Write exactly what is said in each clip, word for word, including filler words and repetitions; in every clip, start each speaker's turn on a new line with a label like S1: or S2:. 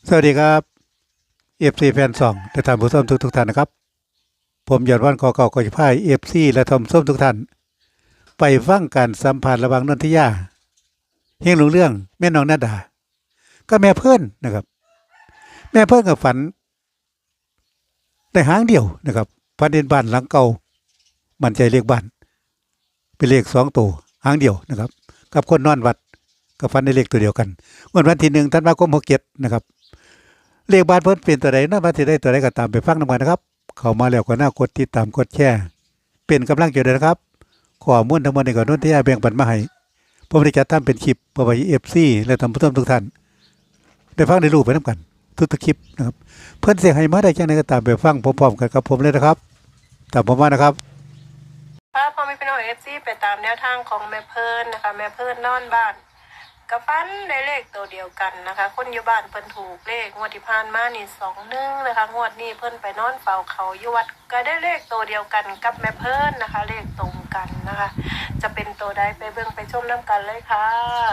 S1: สวัสดีครับเอฟซีแฟนสองและท่านผู้ชมทุกทุกท่านนะครับผมยอดวันกอเก่ากอจิพายเอฟซีและทอมส้มทุกท่านไปฟังการสัมผัสระหว่างนนทิยาเฮงหลงเรื่องแม่น้องนาดาก็แม่เพื่อนนะครับแม่เพื่อนกับฝันแต่หางเดียวนะครับฝันเด่นบ้านหลังเก่ามั่นใจเลขบ้านเป็นเลขสองตัวหางเดียวนะครับกับคนนอนวัดก็ฝันในเลขตัวเดียวกันวันวันที่หนึ่งธันวาคมหกเจ็ดนะครับเลขบ้านเพิ่นเป็นตัวใดนอนวันที่ได้ตัวใดก็ตามไปฟังนำกันนะครับเข้ามาแล้วก็น่ากดติดตามกดแชร์เป็นกำลังใจด้วยนะครับข้อมูลทั้งหมดนี้ก็นนทิยาแบ่งปันมาให้ผมได้จัดทำเป็นคลิปเพื่อไว้ เอฟ ซี และท่านผู้ชมทุกท่านได้ฟังได้รู้ไปนำกันทุกๆคลิปนะครับเพิ่นสิให้มาได้จังได๋ก็ตามไปฟังพร้อมๆกันกับผมเลยนะครับตามผมมานะครับ
S2: ค่ะพอไม่เป็นโอเอฟซีไปตามแนวทางของแม่เพิ่นนะคะแม่เพิ่นนอนบ้านกับฟันได้เลขตัวเดียวกันนะคะคนอยู่บ้านเพิ่นถูกเลขงวดที่ผ่านมานี่สองหนึ่งนะคะงวดนี้เพิ่นไปนอนเฝ้าเขาอยู่วัดก็ได้เลขตัวเดียวกันกับแม่เพิ่นนะคะเลขตรงกันนะคะจะเป็นตัวใดไปเบิ่งไปชมน้ำกันเลยค่ะ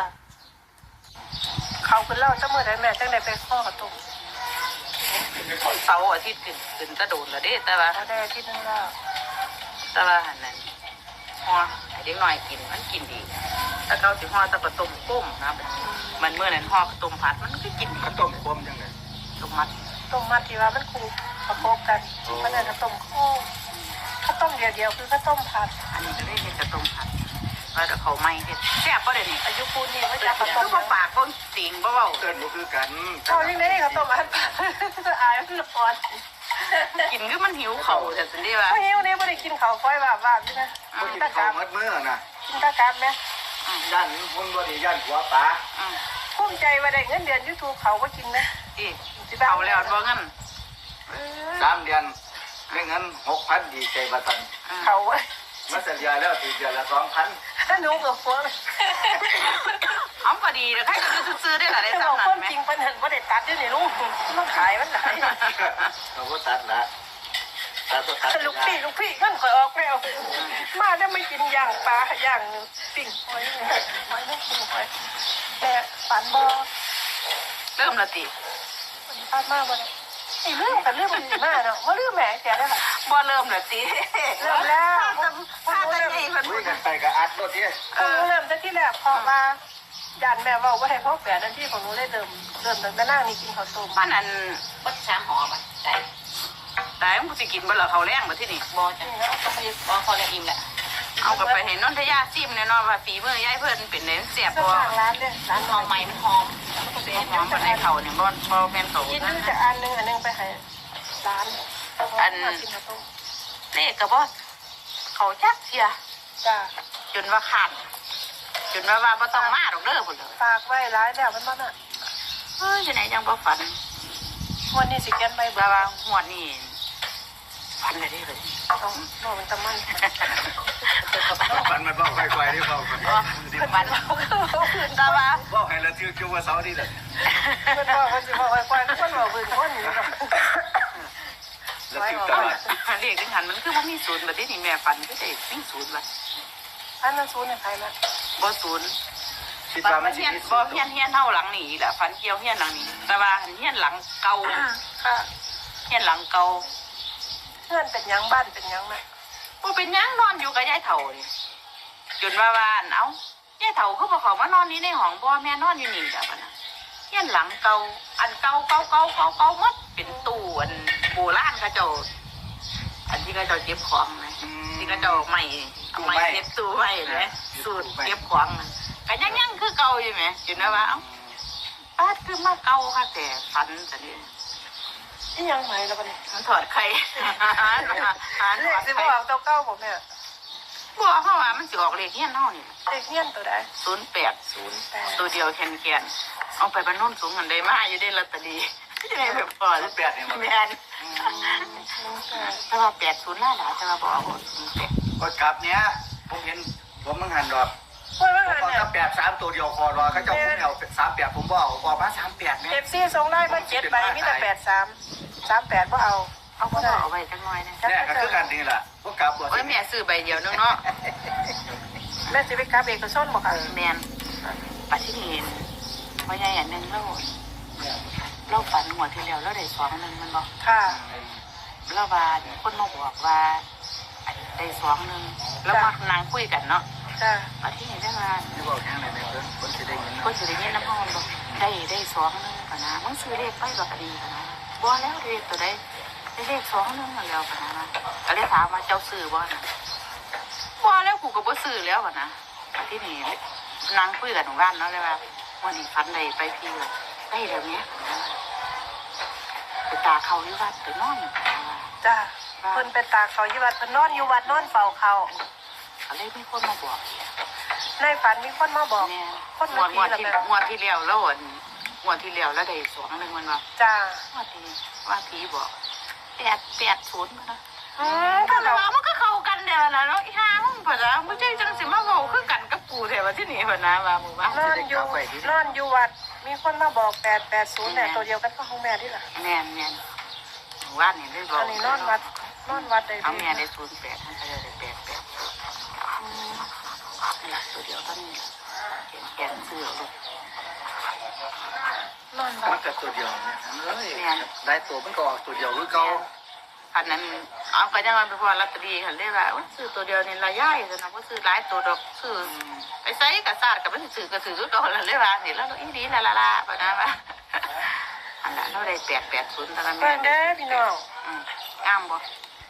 S2: เขาเพิ่นเล่าจะเมื่อใดแม่จังได้ไปข้อตรง
S3: เสาร์อาทิตย์ขึ้นขึ้นตะโดนละเด้แต่ว่า
S2: เขาได้ที่นึงแล้ว
S3: แต่ว่าหันนั้นห่อให้เด็กน้อยกินมันกินดีแต่เกาสิห่อแตะกระต้มก้มนะมันเมื่อนั้นห่อกระต้มผัดมันก็กิน
S4: ข้าวต้มกลมจังเลย
S3: ต้มมัด
S2: ต้มมัดที่ว่ามันคูประกบกันมันอาจจะต้มโค้งข้าวต้มเดียวๆคือข้าวต้มผัด
S3: อันนี้ก็ได้เห็นกระต้มผัดว่าแต่เขาไม่เห็นแซ่บป่ะเดี๋ยวนี้
S2: อายุปูนนี่ไม่
S3: คือ
S2: จับข้าวต้ม
S3: ว่าปากก็สิงบ่เบา
S4: เกินบ่คือกัน
S2: เขาเรียกได้ข้าวต้มอันผัดอายมันร้อน
S3: กินคือมันหิวเข่าแต่สิได้ว่า
S2: เพราะหิวนี่ไม่ได้กินข้าวก้อยว่าว่าพี่นะ
S4: บ่
S2: กิ
S4: กิ
S2: น
S4: น
S2: ตะ
S4: ข้าก
S2: าว บ
S4: มัดมื้อน่ะ
S2: กินตะกาบไหม
S4: ย่านหุ่นบ่ดีย่านหัวปลา
S3: อืม
S2: ภูมิใจว่าได้เงินเดือนยูทูบเขาก็กินนะ
S3: ที่เขาแล้วบ่งั้น
S4: สามเดือนได้เงินหกพันดีใจบ่ทัน
S2: เขาว่า
S4: มาสัญญาแล้วถึงเดือนละสองพัน
S2: ถ้าหนูกับพวก
S3: เอาก็ดีแล้วใครก็ซื้อได้หลายได้
S2: ถ้าบอก
S3: สำนั
S2: ค
S3: ก
S2: น
S3: ไหม
S2: จริงเพิ่นเห็นว่าได้ตัดด้วยนี่ลูกมันขายมันไหน
S4: เขาก็ตัดละตัดก็ตัด
S2: ลูกพี่ลูกพี่เงินข่อยออกไม่เอามาได้ไม่กินย่างปลาย่างปิ้งหอยหอยไม่กินหอยแต่ฝันบ่
S3: เริ่มละติ
S2: พลาดมากเลยไอ้เรื่องแต่เรื่องมันดีมากเนาะว่าเรื่องแหมแกได้ค่ะ
S3: บ่เริ่มละติ
S2: เริ่มแล้ว
S3: ถ้าจะใหญ่เพิ่น
S4: คุยกันไปก็อัดรถที่
S2: เออเริ่มแต่ที่แรกพอมายันแม่ว่าว่าให้พ่อแฝดนั่นที่ของหนูได้เริ่มเริ่มตั้งแต่นั่งนี่กินข้าวต้ม
S3: มันอัน
S5: บัดสามหอมอ่ะได้
S3: ตายมันสิกินบ่ล่ะเขาแรงบ่ที่นี่
S5: บอจ้ะก็คือพอพอแล้วอิ่มแหละ
S3: เอากลับไปให้นนทยาซิมแน่นอนว่าฝีมือยายเพิ่นเป็นเน้นเสียบ
S2: ก็
S3: บ่
S2: ทางร้านเนี่ยร้าน
S5: หอมใหม่มันหอมแล้วมันก็
S3: เป็
S5: เป็น น
S3: หอมปานในเขาเนี่ยบ่บ่แม่นโต
S2: กิน
S3: นะ
S2: ดูจากอันนึงอันนึงไปให้ร้านกินข้าวต้ม
S3: เลขก็บ่เขาจักเสีย
S2: จ้า
S3: จนว่าขาดจนว่าว่าบ่ต้องมาดอกเด้อพุ่นเด้อ
S2: ฝากไว้ร้ายแล้วมันบ้าน่ะ
S3: เฮ้ยจังได๋ยังบ่ฝัน
S2: วันนี้สิแกนไปบ่
S3: ว่าว่าหวดนี้ฝันได้เด้อเลย
S2: ต้องนอนมันตะมัน
S4: ปันมันบ่ค่อยๆที่เว้ากัน
S3: บ่ฝันแต่ว่า
S4: เว้าให้ละถือคิวว่าเสาร์นี่แหละ
S2: เพิ่นว่าเพิ่นสิบอกไว้ก่อนเพิ่นบอกเพิ่นคนนี้
S4: ละถือตลอด
S3: เลขนึงหันมันคือบ่มีศูนย์บัดนี้แม่ฝันคือได้มีศูนย์บัด
S2: อันนั้นศูนย์ใครนะ
S3: บ่ศูนย์
S4: คิด
S3: ฝัน
S4: ว่ามั
S3: มัน น
S4: สิ
S3: เฮียน
S4: มี
S3: บ่เฮียนเฮียนเท่าหลังนี้แหละฝันเกี่ยวเฮียนหลังนี้ แต่ว่าเฮียนหลังเก่า
S2: ค่ะ
S3: เฮียนหลังเก่า
S2: เพื่อนเป็นยังบ้านเป็นยังไหม
S3: บ่เป็นหยังนอนอยู่กับยายเฒ่านี่จนว่าว่าอันเอ้ายายเฒ่าคือบ่เข้ามานอนนี่ในห้องบ่แม่นอนอยู่นี่จ้ะบัดน่ะเฮียนหลังเก่าอันเก่าเก่าเก่าเก่าเก่าหมดเป็นตู้อันโบราณเขาเจ้าอันที่เขาเจ้าเก็บของนะที่เขาเจ้าใหม่เอาใหม่เก็บตู้ไว้นะสูตรเก็บของน่ะก็ยังยังคือเก่าอยู่แหมจนว่าว่าเอ้าป้าดคือมาเก่าค่ะแต่ฝันซะนี่
S2: นี่ยังไหมแล้วปะเนี่ย
S3: มันถอดไข่หาหาหา
S2: เล
S3: ถ
S2: ข
S3: อด
S2: สิ
S3: ไข่
S2: บอกตัวเก้าผมเนี่ย
S3: บอกเขาว่ามันสิออกเลขเฮี้ยนเฮานี่
S2: เลขเงี้ยนตัวใด
S3: ศูนย์แปด
S2: ศูนย์แปด
S3: ตัวเดียวแคนแคนเอาไปบรรนุนสูงกันได้มาอยู่ได้ลอตเตอรี่จะได้แบบพอ
S4: ศูนย์แปดนี่มัน
S3: แมนแต่ว่าแปดศูนย์ล่าหลาแต่ว่าบอกเอาศูนย์แปด
S4: ก็กลับเนี้ยผมเห็นผมมึงหันดอก
S2: เฮ้ยว่า
S4: ผม
S2: ไง
S4: บอก
S2: เนี่ย
S4: ถ้าแปดสามตัวเดียวคอรอเขาเจ้าผมเอาสามแปดผมบ่เอาออกมาสามแปดเนี่ย
S2: เอฟซีส่งได้มาเจ็ดใบมีแต่แปดสามสามแปดว่าเอา
S3: เอาก็เอาไว้จังน้อยนะ
S4: แน่ก็คือกันนี่แหละพวกกลับบ่
S3: โอ้ยแม่ซื้อใบเดียวนึงเนาะ
S2: แม่สิไปกราบเอกชนบอกค่ะ
S3: แมนปัจจุบันว่าใหญ่อันหนึ่งเราเราฝันหัวที่แล้วเราได้สองหนึ่งมันบอก
S2: ค่ะ
S3: เราว่าคนมาบอกว่าได้สองหนึ่งแล้วมานั่งคุยกันเนาะ
S2: จ้า
S3: มาที่นี่ได้มา
S4: ที่บอกยังไงในเพิ่นคนสิได้ยิน
S3: คนสิได้ยินน้ำห้องบอกได้ได้สองหนึ่งกันนะมึงซื้อเลขไปบอกก็ดีกันนะบ่แล้วเลขตัวใดได้เลขสองหนึ่งแล้วกันนะก็เลยถามว่าเจ้าซื้อบ่นะบ่แล้วกูก็บ่ซื้อแล้วกันนะมาที่นี่นั่งคุยกันของบ้านเนาะเลยว่าวันนี้ฝันได้ไปพี่ว่าได้แล้วเนี้ยไปตาเขาอยู่วัดไปนอนอยู่ว่า
S2: จ้าเพิ่นไปตากเขาอยู่วัดเพิ่นนอนอยู่วัดนอนเฝ้าเขา
S3: ก็เลยมีคนมาบอก
S2: ในฝันมีคนมาบอก
S3: แม่
S2: คน
S3: งว
S2: มา
S3: ด
S2: ที
S3: งวด
S2: ละ
S3: ที่
S2: แบบ
S3: งวดที่แล้วแล้วอันงวดที่แล้วแล้วได้สองหนึ่งมันว่า
S2: จ้าง
S3: วดที่ว่าผีบอกแปดแปดศูนย์นะ
S2: อืม
S3: ก็
S2: ก็
S3: แต่
S2: เรา
S3: ว่ามันก็เข้ากันเดียวนะเนาะอีห้ามึงเปิดแล้วไม่ใช่จังสิมาบอกคือกันกับกูเถอะว่าที่นี่เปิดนะว่าหมู่บ้าน
S2: นอนอยู่นอนอยู่วัดมีคนมาบอกแปดแปดศูนย์แต่ตัวเดียวกันก็ของแม่ที่ละ
S3: แม่นแม่นหมู่บ้านนี่ได้บอก
S2: อันนี้นอนวัดนอนวัดได้
S3: เอา
S2: ดี
S3: แม่ได้ศูนย์แปดท่านก็ได้แปดแปดนี่แหละตัวเดียวเท่านี้เขียนแกนเสื้อลูก
S2: นอนวั
S4: มั
S2: ด
S4: นก็ตัวเดียวเนี่ยเอ้ยได้ตัวมันก็ออกตัวเดียวคือเก่า
S3: อันนั้นเอาไปยังไงไปพอลอตเตอรี่ค่ะเรียกว่าซื้อตัวเดียวนี่ละย่ายสนะว่าซื้อหลายตัวดอกซื้อไอ้ไซกับซาดกับมันซื้อกับซื้อก็ละเรียกว่านี่แล้วอีดีละละละปะนะว่าอันนั้นเราได้แปดแปดศูนย์ตะกัน
S2: เพิ่นเด้อพี่น้อง
S3: งามบ่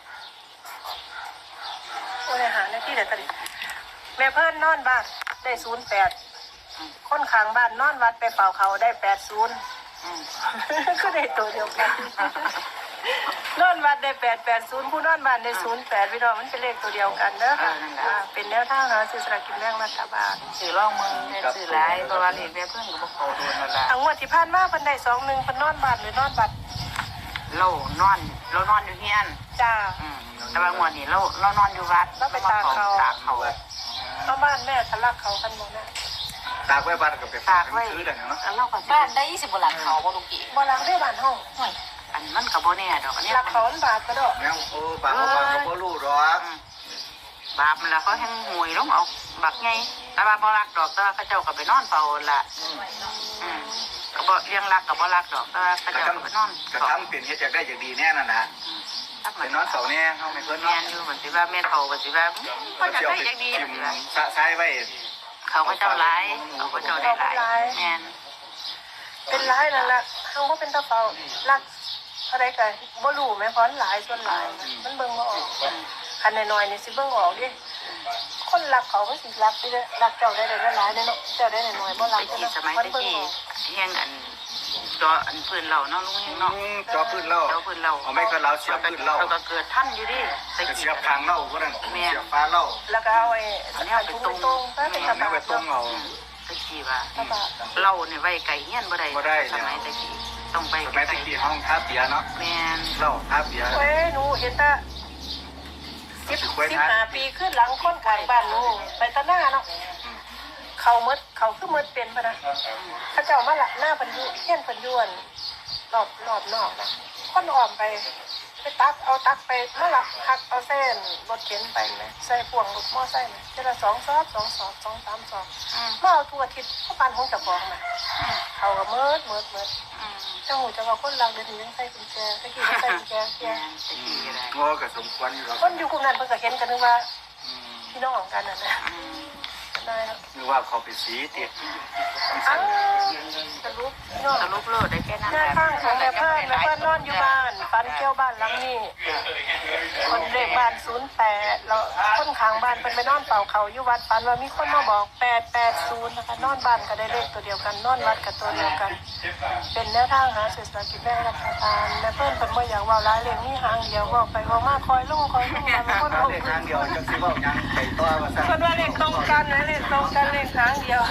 S2: โอ้ยหาหน้าที่เดี๋ยวตอนนี้แม่เพิ่นนอนบ้านได้ศูนย์แปดคนข้างบ้านนอนวัดไปเฝ้าเขาได้แปดศูนย์ ก็ได้ตัวเดียวกัน นอนวัดได้แปดแปดศูนย์ผู้นอนบ้านได้ศูนย์แปดพี่น้องมันเป็นเลขตัวเดียวกันเด้อค่ะอ่าเป็นแนวทางหาซื้อสลากกินแบ่งรัฐบาล
S3: ซื้อร่องมือซื้อหลายเพราะว่าเรียนเพื่อนก็บอกเขาโดนนั่นแหละ
S2: ทั้งหมดที่ผ่านมาเพิ่นได้สองหนึ่งเพิ่นนอนบ้านหรือนอนบัด
S3: เรานอนเรานอนอยู่เฮียน
S2: จ้า
S3: แต่บางวันนี่เราเรานอนอยู่วัดตากเขา
S2: เอาบ้านแม่ทะลักเขากันหมดนะ
S4: ตากไว้บ้านก็ไปฝา
S3: ตาก กไว้
S4: ซื้อได้เนาะ
S3: แล้วเราก็
S5: บ้านได้ยี่สิบกว่าหลังเขาบ่ลุงกี่
S2: บ่ล้างได้บ้านห้อง
S3: อันมันกับโบเนี่ยดอกอันนี้
S2: หลักเขาอันบาทก็ดอก
S4: แนวโอ้ปากบ่ปากก็บ่รู้หรอก
S3: บาปมันละเขาแห้งหวยล้มเอาบักไงแต่ว่าบ่รักดอกแต่ว่าเขาเจ้าก็ไปนอนเฝ้าละก็บ่เลี้ยงรักกับบ่รักดอกแต่ว่าเขา
S4: กระ
S3: เจ้า
S4: ทำ
S3: ก็ไปนอน
S4: กระทำเป็นเฮ็ดจากได้จากดีแน่นั่นน่ะไปนอนเสาแน่เฮาไม่เพิ่น
S3: แม่
S4: เนาะ
S3: นอยู่เหมือนสิว่าแม่เฒ่าก็สิว่าก็จะได้อย่างดี
S4: ทิ่มสะซ้ายไว้
S3: เขาก็เจ้าร้ายเขาก็เจ้าได้หลายแม่น
S2: เป็นร้ายนั่นแหละเฮาบ่เป็นตะเฝ้ารักอะไรกันบ่รู้แม่พรหลายส่วนหลายมันเบิ่งบ่ออกคันน้อยๆนี่สิเบิ่งออกดิคนรักเขาก็สิรักได้รักเจ้าได้ได้หลายๆเนาะเจ้าได้น้อยๆบ่รั
S3: ตะ
S2: ก
S3: กี้สมัย
S2: มัน
S3: ตะ
S2: เบิ่ง
S3: กี้
S2: ออก
S3: เฮียงอันจออันพื้นเราเนาะลุงเฮียงเนาะ
S4: จอพื้นเล่า
S3: จอพื้นเรา
S4: เอาไม่ก็เราเสียบพื้นเล่า
S3: เราก็เกิดท่านอยู่ดิตะ
S4: จะ
S3: กี้
S4: เสียบทางเล่าก็นั่นเสียบฟ้าเล่า
S2: แล้วก็เอาไอ้
S3: อันนี้
S2: อัน
S3: ไป
S2: ทุ่ง
S3: ตรง
S2: ตรงๆไปเป็น
S4: อันนี้
S2: ตะบา
S4: ไป
S2: ด
S4: ตรงเอา
S3: ตะกี้ว่า
S2: ตะบาด
S3: เราเนี่ยไว้ไก่เฮียนบ่ได้
S4: บ่ได้
S3: สมัยตะกี้ต้องไป
S4: สมัยตะกี้ห้องท้าเบียเนาะ
S3: แม่น
S4: เล่าท้าเบีย
S2: เว้ยหนูเห็นแตาสิบสิบห้าปีขึ้นหลังคนข้างบ้านหนูไปตะหน้าเนาะเขาหมดเขาคือหมดเป็นปะนะเขาเจ้ามาหลักหน้าเพันอยุเฮี้ยนเพันอยวนรอบรอบนอกนะคนอ้อมไปไปตักเอาตักไปมาหลักหักเอาเส้นรถเข็นไปไหมใส่พ่วงรถมอไซค์ไหมเจละสองซอบสองสอบสองสามสอบ
S3: อืม
S2: มาเอาทั่วอาทิศเขาปานของเจับของมาเขาก็เมิดเมิดเมิด
S3: อืม
S2: เจ้าหูจะว่าคนเราเดินถึงยังใส่กุญแจตะกี้ก็ใส่กุญแจเกีย
S3: แม่นตะกี้อะไร
S4: งอก็สมควรอยู่แล้ว
S2: คนอยู่กลุ่มนั้นเพิ่นก็เห็นกันนึกว่าพี่น้องกันน่ะนะ
S3: อืม
S2: ได้แล้ว
S4: นึกว่าเขาไปสีติด
S2: อ้าวสรุปพี่น้อง
S3: สรุปโลดได้แค่นั้น
S2: หน้าข้างของแม่เพิ่นแม่เพิ่นนอนอยู่บ้านฟันเกี่ยวบ้านหลังนี้คนเลขบ้านศูนย์แปดแล้วคนข้างบ้านเพิ่นไปนอนเป่าเขาอยู่วัดฟันว่ามีคนมาบอกแปดแปดศูนย์นะคะนอนบ้านก็ได้เลขตัวเดียวกันนอนวัดก็ตัวเดียวกัน เป็นแนวทางหาเศรษฐกิจแม่รัฐบาลแม่เพิ่นเพิ่นบ่อยากเว้าหลายเรื่องมีหางเดียวเว้าไปเว้ามาคอยลงคอยลงมาบางคนลง
S4: เลขทางเดียวจังสิเว้ายังไปต่อว่าซั่น
S2: คนว่าเลขตรงกันนะเลขตรงกันเลขหางเดียว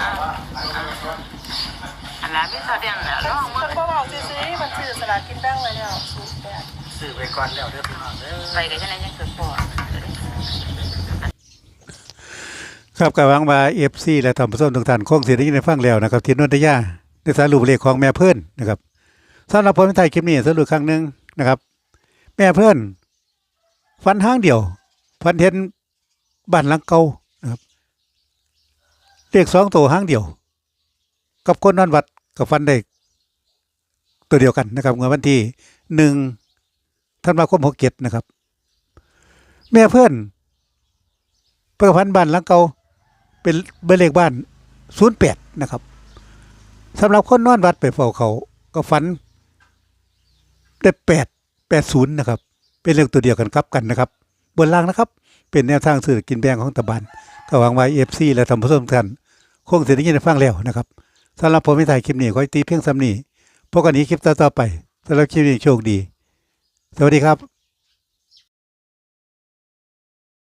S3: อันนั้นไม่แสดงแล้วร้อง
S2: มั
S3: มัน
S2: นบ่เว้าซื่อๆมันซื้อสลากกินแบ่งไว้แล้วศูนย์แปด
S4: ซื้อไปก่อนแล้วเด้อพี่น้องเด้อ
S3: ไปกันแค่นั้นยังเกิดปอด
S1: ครับกับหวังว่า เอฟ ซี และท่านผู้ชมทุกท่านคงสิได้ยินได้ฟังแล้วนะครับที่นนทยาได้สรุปเลขของแม่เพิ่นนะครับสำหรับผมในไทยคลิปนี้สรุปครั้งหนึงนะครับ แม่เพิ่นฟันห้างเดียวฟันเห็นบ้านหลังเก่านะครับเลขสองตัวห้างเดียว กับคนนอนวัดกับฟันได้ตัวเดียวกันนะครับงวดวันที่หนึ่งธันวาคมหกเจ็ดนะครับ แม่เพื่อนประพันธ์บ้านหลังเก่าเป็นเบอร์เลขบ้านศูนย์แปดนะครับสำหรับคนนอนวัดไปเฝ้าเขาก็ฝันได้แปดแปดศูนย์นะครับ เป็นเลขตัวเดียวกันครับกันนะครับ บนล่างนะครับ เป็นแนวทางสื่อกินแบ่งของตะบันก็หวังไว้เอฟซีและทำผู้ชมทุกท่านคงเสียได้ยินได้ฟังแล้วนะครับสำหรับผมไม่ถ่ายคลิปนี้ขอให้ตีเพียงซ้ำนี้พบกันนี้คลิปต่อๆไปสำหรับคลิปนี้โชคดี สวัสดีครับ